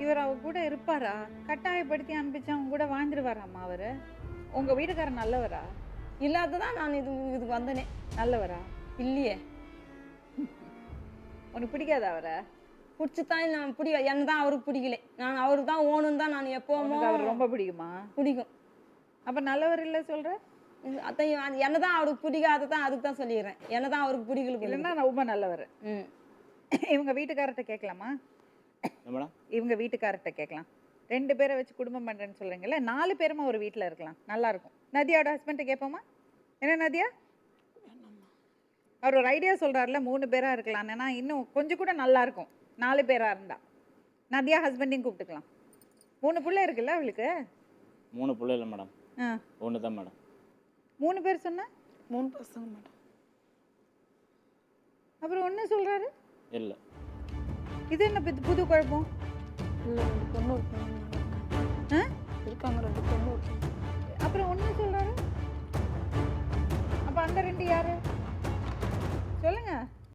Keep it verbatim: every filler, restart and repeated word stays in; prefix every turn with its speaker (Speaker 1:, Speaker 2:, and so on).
Speaker 1: இவர் அவ கூட இருப்பாரா? கட்டாயப்படுத்தி அனுப்பிச்சா அவங்க கூட வாழ்ந்துருவாராம்மா அவரு? உங்க வீட்டுக்காரர் நல்லவரா?
Speaker 2: இல்லாததான் நான் இது இதுக்கு வந்தனே.
Speaker 1: நல்லவரா?
Speaker 2: இல்லையே.
Speaker 1: உனக்கு பிடிக்காத அவரை?
Speaker 2: பிடிச்சிதான் நான் பிடி என்ன தான் அவருக்கு பிடிக்கல. நான் அவருக்கு தான் ஓணுன்னு தான் நான் எப்போவுமோ.
Speaker 1: அவர் ரொம்ப பிடிக்குமா?
Speaker 2: பிடிக்கும்.
Speaker 1: அப்ப நல்லவர் இல்லை சொல்ற?
Speaker 2: அதான் என்ன தான் அவருக்கு பிடிக்காத தான் அதுக்கு தான் சொல்லிடுறேன். என்ன தான் அவருக்கு பிடிக்கல.
Speaker 1: இல்லைன்னா நான் ரொம்ப நல்லவர்.
Speaker 2: ம்.
Speaker 1: இவங்க வீட்டுக்காரர்கிட்ட கேட்கலாமா?
Speaker 3: மேடம்
Speaker 1: இவங்க வீட்டுக்காரர்கிட்ட கேட்கலாம். ரெண்டு பேரை வச்சு குடும்பம் பண்றேன்னு சொல்றீங்கல்ல, நாலு பேருமா ஒரு வீட்டில் இருக்கலாம், நல்லா இருக்கும். நதியாவோட ஹஸ்பண்ட்டை கேட்போமா? என்ன நதியா, அவர் ஒரு ஐடியா சொல்றாருல மூணு பேரா இருக்கலாம்னா இன்னும் கொஞ்சம் கூட நல்லா இருக்கும். நாலு பேரா இருந்தா நதியா ஹஸ்பண்டையும் கூப்பிட்டுக்கலாம். மூணு பிள்ளை இருக்குல்ல அவளுக்கு?
Speaker 3: மூணு பிள்ளை இல்லை மேடம்,
Speaker 1: ஆ
Speaker 3: ஒன்று தான் மேடம்.
Speaker 1: மூணு பேர் சொன்னா
Speaker 4: மூணு பசங்க மேடம்.
Speaker 1: அப்புறம் ஒன்று சொல்றாரு
Speaker 3: இல்லை.
Speaker 1: இது என்ன புது புது குழப்பம்?
Speaker 4: இல்லை ரெண்டு பொண்ணு இருக்காங்க
Speaker 1: ஆ
Speaker 4: இருக்காங்க ரெண்டு பொண்ணு இருக்காங்க.
Speaker 1: அப்புறம் ஒன்று சொல்றாரு. அப்ப அந்த ரெண்டு யாரு?